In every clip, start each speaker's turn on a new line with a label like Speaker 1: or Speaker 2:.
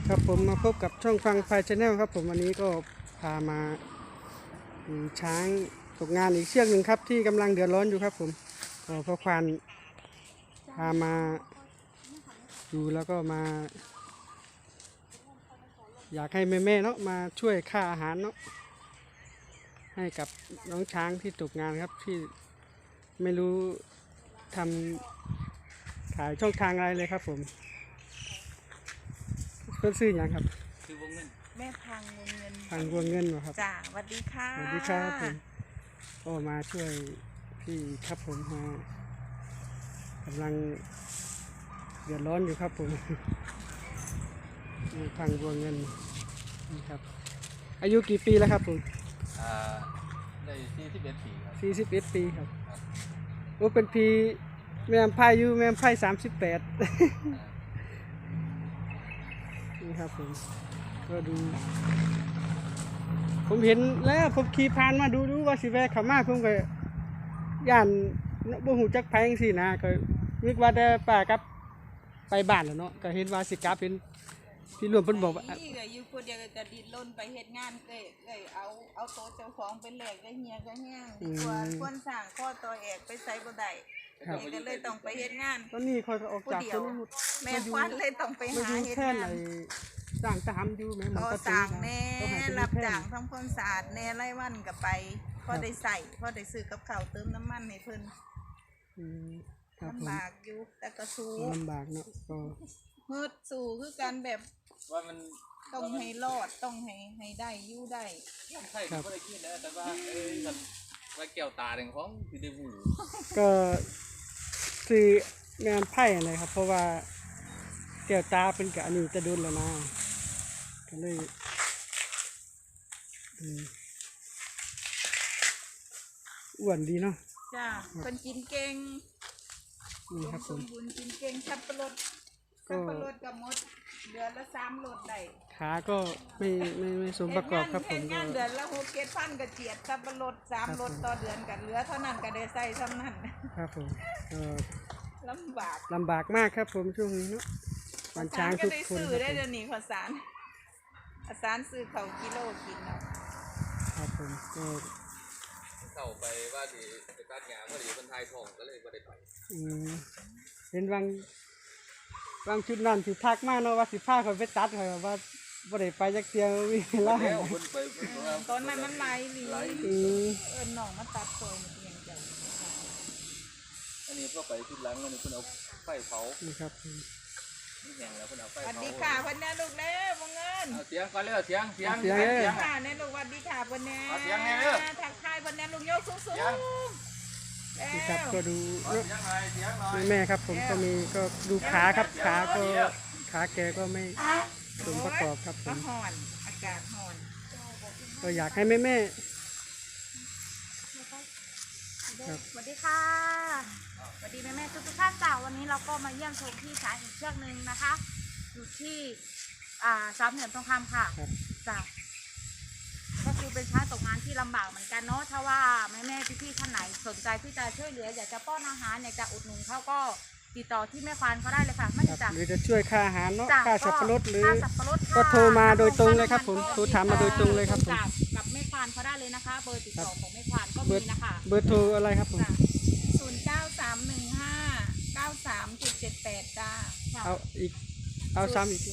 Speaker 1: ครับผมมาพบกับช่องฟังไฟชาแนลครับผมวันนี้ก็พามาดูช้างตกงานอีกเชือกหนึ่งครับที่กำลังเดือดร้อนอยู่ครับผมพ่อควานพามาดูแล้วก็มาอยากให้แม่ๆเนาะมาช่วยค่าอาหารเนาะให้กับน้องช้างที่ตกงานครับที่ไม่รู้ทำขายช่องทางอะไรเลยครับผมเพื่อนซื้ออย่างครับ
Speaker 2: คือวงเงิน
Speaker 3: แม่พังวงเงิน
Speaker 1: ทางรวงเงินเหรอครับ
Speaker 3: จ้าสวัสดีค่ะ
Speaker 1: สวัสดีครับผมก็มาช่วยพี่ครับผมมากำลังเดือดร้อนอยู่ครับผมทางรวงเงินนี่ครับอายุกี่ปีแล้วครับผม
Speaker 2: ได้41 ปีครับ
Speaker 1: 41 ปีครับโอ้เป็นพี่แม่พายอยู่แม่พาย38นี่ครับผมก็ดูผมเห็นแล้วผมขี่ผ่านมาดูว่าสิแวะเข้ามาผมก็ย่านบ่ฮู้จักไผจังซี่นะก็นึกว่าแต่ป้ากับไปบ้านแล้วเนาะก็เห็นว่าสิกลับเห็นพี่รวมเพิ่นบอกว่า
Speaker 3: นี่ก็อยู่คนเดียวก็ดิ้นรนไปเฮ็ดงานเลยเอาโต๊ะเจ้าของไปแลกได้เฮียก็แห้งดีกว่าคนสร้างข้อต่อแอกไปใส่บ่ได้ก็เลยต้องไปเฮ็ดงาน
Speaker 1: ตอนนี้ค่อยก็ออกจากชนบท
Speaker 3: แม่ควันเลยต้องไปหาเฮ็ดงาน
Speaker 1: สร้างตามอยู่แม่มันก็
Speaker 3: สร้างแน่รับจ้างทำความสะอาดแน่รายวันก็ไปพอได้ใส่พอได้ซื้อกับข้าวเติมน้ำมันให้เพิ่นลำบากอยู่แต่ก็สู้
Speaker 1: ลำบากเนาะก็
Speaker 3: ฮึดสู้คือการแบบ
Speaker 2: ว่ามัน
Speaker 3: ต้องให้รอดต้องให้ได้อยู่ได้
Speaker 2: ใช่ครับก็ได้กินนะแต่ว่าแบบว่าแก้วตาหนึ่งของคือได้หู
Speaker 1: ก็ซื้องานไพ่อะไรครับเพราะว่าแก้วตาเป็นกะอันนี้จะโดนแล้วนะก็เลยอ้วนดีเนาะ
Speaker 3: จ้าคนกินเก่ง
Speaker 1: นี่ครับผม
Speaker 3: บุญกินเก่งสับปะรดกับมดเดือนละ3 โลได้
Speaker 1: ขาก็ไม่สมประกอบครับผม
Speaker 3: ก็เดือนละ6-7 พันกระเจียดสับปะรด3 โลต่อเดือนกันเหลือเท่านั้นก็ได้ใส่เท่านั้น
Speaker 1: ครับผม
Speaker 3: ลำ
Speaker 1: บากมากครับผมช่วงนี้เนาะวันช้างทุกคน
Speaker 3: ซื้อได้เดี๋ยวนี้ข้าวสารซื้อเขากิโลกินเนาะ
Speaker 1: ครับผมก็
Speaker 2: เข้าไปว่าดีไปตัดหญ้าพอดีคนไทยทองก็เลยบ่ได้ไป
Speaker 1: เห็นบางชุดนั่นสิทักมากเนาะว่าสิพาเขาไปตัดเขาว่าบ่ได้ไปจักเที่ยวมีแล้ว
Speaker 3: ตอนนั้นมันไหลหลีหนองมาตัดโซนมันยังใจ
Speaker 2: อันนี้ก็ไปที่หลังอันนี้คุณเอาไฟเผา
Speaker 1: นี่ครับ
Speaker 2: นี่แห้งแล้วคุณเอาไฟเผา
Speaker 3: สวัสดีค่ะพ่อแม่ลูกเด้อวงเงิน
Speaker 2: เสียงก่อนเลยเสียง
Speaker 3: ค่ะแน่ลูกสวัสดีค่ะพ่อแม่
Speaker 2: เสียงแน่เลย
Speaker 3: ทักทายพ่อแม่ลูกโยกสูง
Speaker 1: นี่ครับก็ดูแม่ครับผมก็มีก็ดูขาครับขาแกก็ไม่สมประกอบครับผม
Speaker 3: ห่อนอากาศห่อน
Speaker 1: ก็อยากให้แม่
Speaker 4: สวัสดีค่ะสวัสดีแม่ทุกท่านจ้าวันนี้เราก็มาเยี่ยมชมที่ช้างอีกเชือกหนึ่งนะคะอยู่ที่สามเหลี่ยมทองคำค่ะจ้าก็คือเป็นช้างตกงานที่ลำบากเหมือนกันเนาะถ้าว่าแม่พี่ท่านไหนสนใจที่จะช่วยเหลืออยากจะป้อนอาหารอยากจะอุดหนุนเขาก็ติดต่อที่แม่ควานเขาได้เลยค่ะไม่ได้จ้ะ
Speaker 1: หรือจะช่วยค่าอาหารเนาะค่าสับปะรดหรือ
Speaker 4: ก็
Speaker 1: โทรมาโดยตรงเลยครับผมโทรถามมาโดยตรงเลยครับผม
Speaker 4: กับแม่ควานเขาได้เลยนะคะเบอร์ติดต่อของแม่ควานก็มีนะคะ
Speaker 1: เบอร์โทรอะไรครับผม
Speaker 3: 0931593778จ้า
Speaker 1: เอาอีกเอาซ้ำอีก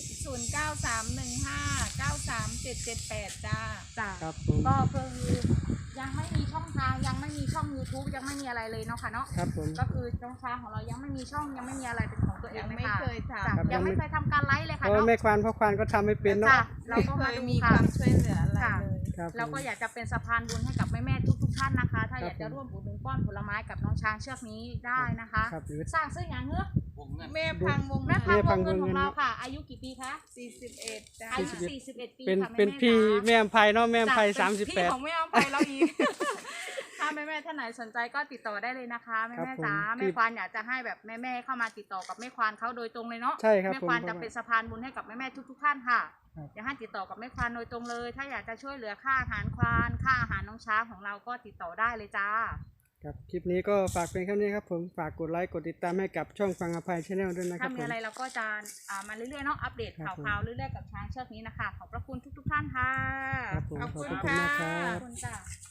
Speaker 3: 0931593778จ้า
Speaker 1: ครับ
Speaker 4: ก็คือยังไม่มีช่องทางยังไม่มีช่อง YouTube ยังไม่มีอะไรเลยเนาะค่ะเนาะ
Speaker 1: ครับผม
Speaker 4: ก็คือช่องทางของเรายังไม่มีช่องยังไม่มีอะไรเป็นของตัวเอง
Speaker 3: ไม่เคยท
Speaker 4: ำยังไม่เคยทำการไลฟ์เลยค่ะ
Speaker 1: เนาะแม่ควานพ่อควานก็ทำไม่เป็นเนาะ
Speaker 4: เราก็
Speaker 3: มามีความช่วยเหลืออะไรเลย
Speaker 4: เราก็อยากจะเป็นสะพานบุญให้กับแม่ทุกท่านนะคะถ้าอยากจะร่วมอุดหนุนป้อนผลไม้กับน้องช้างเชือกนี้ได้นะคะสร้างซื้ออย่างเงือก
Speaker 3: แม่พังวงเ
Speaker 4: งินของเราค่ะอายุกี่ปีคะ
Speaker 3: 41จ้า
Speaker 4: อายุ41 ปีค่ะ
Speaker 1: เป็นพี่แม่อภัยเนาะแม่อภัย38
Speaker 4: พี่ของแม่อภัยเราอีกถ้าแม่ท่านไหนสนใจก็ติดต่อได้เลยนะคะแม่จ๋าแม่ควานอยากจะให้แบบแม่เข้ามาติดต่อกับแม่ควานเขาโดยตรงเลยเนาะ
Speaker 1: ใช่ครับ
Speaker 4: แม่ควานจะเป็นสะพานบุญให้กับแม่ทุกท่านค่ะอยากให้ติดต่อกับแม่ควานโดยตรงเลยถ้าอยากจะช่วยเหลือค่าอาหารควานค่าอาหารน้องช้างของเราก็ติดต่อได้เลยจ้า
Speaker 1: ครับคลิปนี้ก็ฝากเป็นแค่นี้ครับผมฝากกดไลค์กดติดตามให้กับช่องฟังอภัยชาแนลด้วยนะครับ
Speaker 4: ถ้า
Speaker 1: ผ
Speaker 4: มี
Speaker 1: ม
Speaker 4: อะไรเราก็จะมาเรื่อยๆเนาะอัปเดต
Speaker 1: ครับผม
Speaker 4: ข่าวๆเรื่อยๆกับช้างเชือกนี้นะคะขอบพระคุณทุกๆท่านค่ะ
Speaker 1: ครับผม
Speaker 3: ขอบ
Speaker 1: ขอบ
Speaker 3: คุณ
Speaker 1: พระคุณมากค
Speaker 3: ค่ะ
Speaker 1: รั
Speaker 4: ขอบบ คุณจ้ะ